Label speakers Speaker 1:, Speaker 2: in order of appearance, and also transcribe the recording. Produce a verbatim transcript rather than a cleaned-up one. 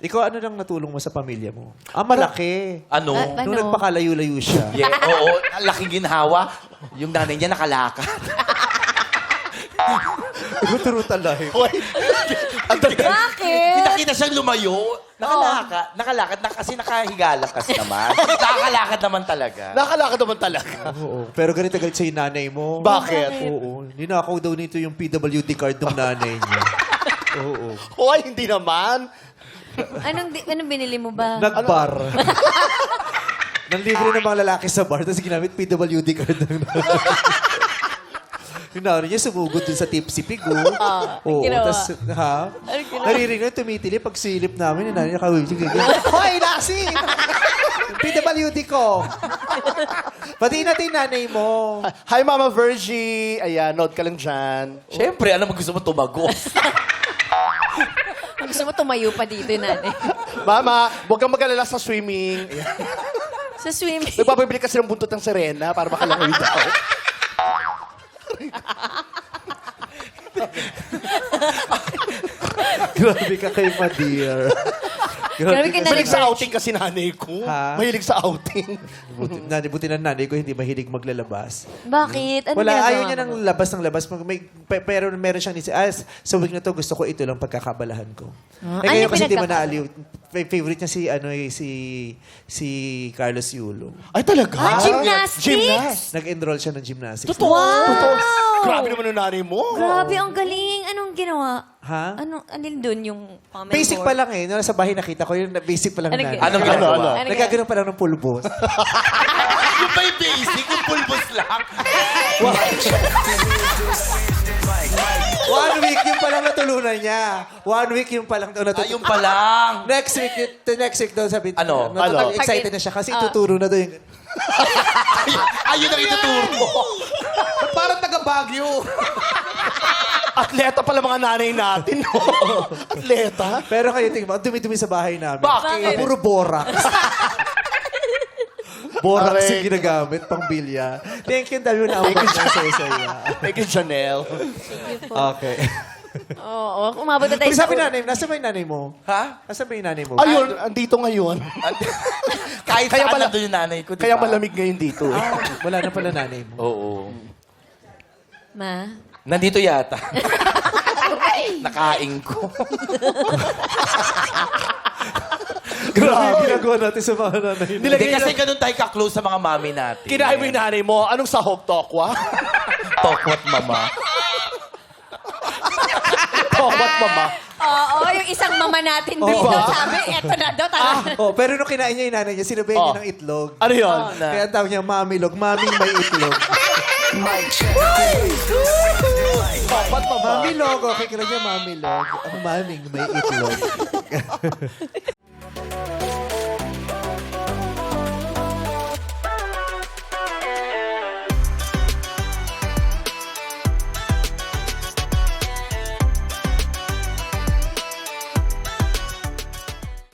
Speaker 1: Ikaw, ano nang natulong mo sa pamilya mo? Ah, malaki.
Speaker 2: Ano?
Speaker 3: Ah,
Speaker 1: Nung
Speaker 3: Ano?
Speaker 1: nagpakalayo-layo siya.
Speaker 2: Yeah, oo, ang laking ginhawa. Yung nanay niya nakalakad.
Speaker 1: Ikaw, true talaga.
Speaker 3: Bakit?
Speaker 2: Pinakita siyang lumayo. Nakalakad. Nakalakad. Na, kasi nakahigalas naman. Nakakalakad naman talaga.
Speaker 4: Nakalakad naman talaga.
Speaker 1: Oo. Pero ganito galit sa'yo nanay mo.
Speaker 4: Bakit?
Speaker 1: Oo. Ninakaw daw nito yung P W D card ng nanay niya. Oo.
Speaker 4: Hoy, hindi naman.
Speaker 3: Anong, di- anong binili mo ba?
Speaker 1: Nagbar. Nanlibre ng mga lalaki sa bar, tapos ginamit P W D card ng nanay. Yung nanay niya sumugod dun sa Tipsy Pig, oh. Oo.
Speaker 3: ginawa?
Speaker 1: Tapos, ha?
Speaker 3: Anong ginawa?
Speaker 1: Naririnig na tumitili pag silip namin, yung nanay niya kawin siya ganyan. Hoy, Lassie! P W D ko! Pati natin yung nanay mo.
Speaker 4: Hi, Mama Virgie. Ayan, note ka lang dyan.
Speaker 2: Siyempre, alam mo gusto mo tumago.
Speaker 3: Gusto mo tumayo pa dito, nanay.
Speaker 4: Mama, huwag kang mag-alala sa swimming. Ayan.
Speaker 3: Sa swimming.
Speaker 4: Nagpapabili kasi ng buntot ng Serena para makalangoy daw.
Speaker 1: Grabe ka kay ma, dear.
Speaker 3: Grabe ka na
Speaker 4: Mahilig sa outing kasi nanay ko.
Speaker 1: Ha?
Speaker 4: Mahilig sa outing.
Speaker 1: Buti, nanay, buti na nanay ko hindi mahilig maglalabas.
Speaker 3: Bakit? Ano
Speaker 1: Wala,
Speaker 3: ginagawa
Speaker 1: ayaw niya
Speaker 3: mo?
Speaker 1: ng labas ng labas. Mag- May, pe- pero meron siyang nisip, ah, sa week na to, gusto ko ito lang pagkakabalahan ko.
Speaker 3: Ah,
Speaker 1: eh,
Speaker 3: ano
Speaker 1: ngayon
Speaker 3: yung
Speaker 1: kasi hindi mo
Speaker 3: pinagkaka-
Speaker 1: naaliw. Fa- Favorite niya si, ano, eh, si, si Carlos Yulo.
Speaker 4: Ay, talaga?
Speaker 3: Ah, gymnastics?
Speaker 4: Gymnast.
Speaker 1: Nag-enroll siya ng gymnastics.
Speaker 4: Totoo.
Speaker 3: Wow!
Speaker 4: Totoo. Grabe naman yung nanay mo.
Speaker 3: Grabe, ang galing. Anong ginawa?
Speaker 1: Ha?
Speaker 3: Ano, alin dun yung comment
Speaker 1: Basic
Speaker 3: board?
Speaker 1: pa lang eh. Nung nasa bahay nakita ko, yung basic pa lang
Speaker 3: Ano
Speaker 1: na.
Speaker 3: ginawa?
Speaker 2: Anong
Speaker 4: Ano,
Speaker 2: ginagawa?
Speaker 4: ano?
Speaker 3: Ano
Speaker 1: Nagkaganoon pa lang ng pulbos.
Speaker 2: Yung ba yung basic? Yung pulbos lang?
Speaker 1: One week yung palang natulunan niya. One week yung palang daw
Speaker 2: Ah,
Speaker 1: natulunan.
Speaker 2: yung pa lang.
Speaker 1: Next week, the next week daw sabi,
Speaker 2: Ano?
Speaker 1: Natutag-
Speaker 4: Ano?
Speaker 1: excited na siya kasi ituturo na daw yung...
Speaker 2: Ayun ang ituturo.
Speaker 1: Parang taga-Baguio.
Speaker 4: Atleta pala mga nanay natin. No? Atleta?
Speaker 1: Pero kayo, tingnan mo, ang dumi-dumi sa bahay namin.
Speaker 4: Bakit?
Speaker 1: Puro borax. borax
Speaker 4: Correct.
Speaker 1: yung ginagamit, pang bilya. Thank you, dami mo na ako sa saya.
Speaker 4: Thank you, Janelle.
Speaker 1: Okay.
Speaker 3: Oo, umabot na tayo
Speaker 1: Pero
Speaker 3: sa...
Speaker 1: sabi nanay, nasa ba yung nanay mo?
Speaker 2: Ha?
Speaker 1: Nasa ba yung nanay mo?
Speaker 4: Ayun, andito ngayon.
Speaker 2: Kahit
Speaker 4: Kaya
Speaker 2: saan
Speaker 4: pala-
Speaker 2: nandun yung nanay ko, di
Speaker 4: Kaya
Speaker 2: ba?
Speaker 4: malamig ngayon dito. eh.
Speaker 1: Ah, wala na pala nanay mo.
Speaker 2: Oo.
Speaker 3: Ma?
Speaker 2: Nandito yata. Nakain ko.
Speaker 1: Grabe yung ginagawa natin sa mga nanay.
Speaker 2: Hindi kasi ganun tayo ka-close sa mga mami natin.
Speaker 4: Kinain mo yung nanay mo. Anong sahog, tokwa?
Speaker 2: Tokwat mama.
Speaker 4: Tokwat, mama.
Speaker 3: Oo, yung isang mama natin dito,
Speaker 1: Diba?
Speaker 3: sabi, eto na daw, tara.
Speaker 1: Oh, pero nung kinain niya yung nanay niya, sinabayan
Speaker 4: Oh.
Speaker 1: niya ng itlog.
Speaker 4: Ano yun?
Speaker 1: Kaya ang tawag niya, mamilog. Maming may itlog.
Speaker 4: Tokwat, mama.
Speaker 1: Mamilog. Okay, kaya niya mamilog. Ang maming may itlog.